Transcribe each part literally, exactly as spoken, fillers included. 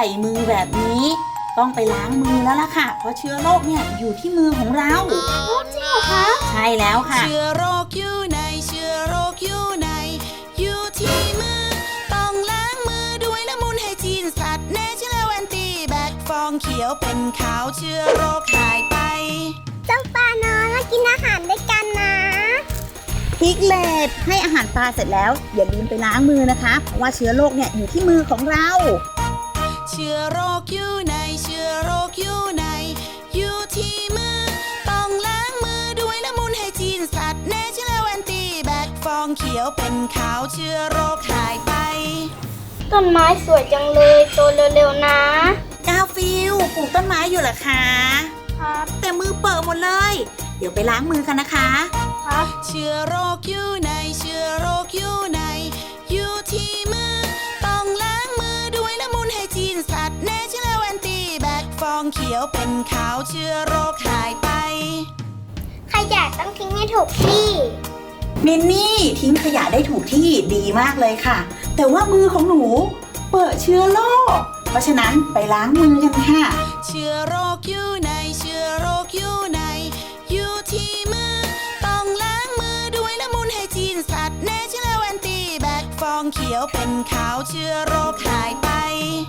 มือแบบนี้ต้องไปล้างมือแล้วล่ะค่ะเพราะเชื้อโรคเนี่ยอยู่ที่มือของเราจริงเหรอคะใช่แล้วค่ะเชื้อโรคอยู่ในเชื้อโรคอยู่ในอยู่ที่มือต้องล้างมือด้วยน้ำมูลไฮจีนสัตว์เนเชอรัลแอนตี้แบคฟองเขียวเป็นขาวเชื้อโรคหายไปเจ้าปลาน้อยมากินอาหารด้วยกันนะพิกเลตให้อาหารปลาเสร็จแล้วอย่าลืมไปล้างมือนะคะเพราะว่าเชื้อโรคเนี่ยอยู่ที่มือของเราเชื้อโรคอยู่ในเชื้อโรคอยู่ในอยู่ที่มือต้องล้างมือด้วยน้ำมูลไฮจีนสัตว์เนเชอรัลแอนตี้แบคฟองเขียวเป็นขาวเชื้อโรคหายไปต้นไม้สวยจังเลยโตเร็วๆนะกาฟิลปลูกต้นไม้อยู่เหรอคะครับแต่มือเปิดหมดเลยเดี๋ยวไปล้างมือกันนะคะครับเชื้อโรคอยู่ในเชื้อโรคอยู่ในอยู่ที่มือต้องล้างมือด้วยน้ำมูลไฮจีนสัตว์เนเชอรัลแอนตี้แบคฟองเขียวเป็นขาวเชื้อโรคหายไปขยะต้องทิ้งให้ถูกที่มินนี่ทิ้งขยะได้ถูกที่ดีมากเลยค่ะแต่ว่ามือของหนูเปิดเชื้อโรคเพราะฉะนั้นไปล้างมือกันค่ะเชื้อโรคอยู่ในเชื้อโรคอยู่ในอยู่ที่มือต้องล้างมือด้วยน้ำมูลไฮจีนสัตว์เนเชอรัลแอนตี้แบคฟองเขียวเป็นขาวเชื้อโรคหายไป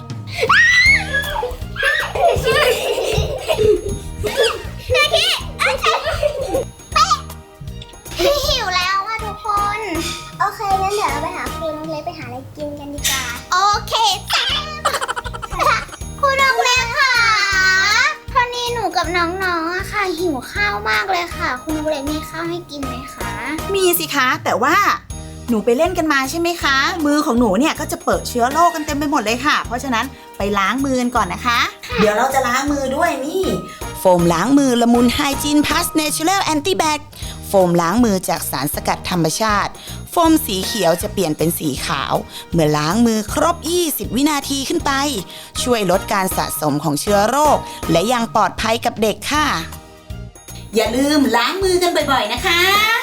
นาทีหิวแล้วอะทุกคนโอเคงั้นเดี๋ยวเราไปหาครูน้องเล็กไปหาอะไรกินกันดีกว่าโอเคจ้าครูน้องเล็กค่ะตอนนี้หนูกับน้องๆอะค่ะหิวข้าวมากเลยค่ะครูน้องเล็กมีข้าวให้กินไหมคะมีสิคะแต่ว่าหนูไปเล่นกันมาใช่ไหมคะมือของหนูเนี่ยก็จะเปิดเชื้อโรคกันเต็มไปหมดเลยค่ะเพราะฉะนั้นไปล้างมือกันก่อนนะคะเดี๋ยวเราจะล้างมือด้วยนี่โฟมล้างมือละมุนไฮจีนพลัสเนเชอรัลแอนตี้แบคโฟมล้างมือจากสารสกัดธรรมชาติโฟมสีเขียวจะเปลี่ยนเป็นสีขาวเมื่อล้างมือครบยี่สิบวินาทีขึ้นไปช่วยลดการสะสมของเชื้อโรคและยังปลอดภัยกับเด็กค่ะอย่าลืมล้างมือกันบ่อยๆนะคะ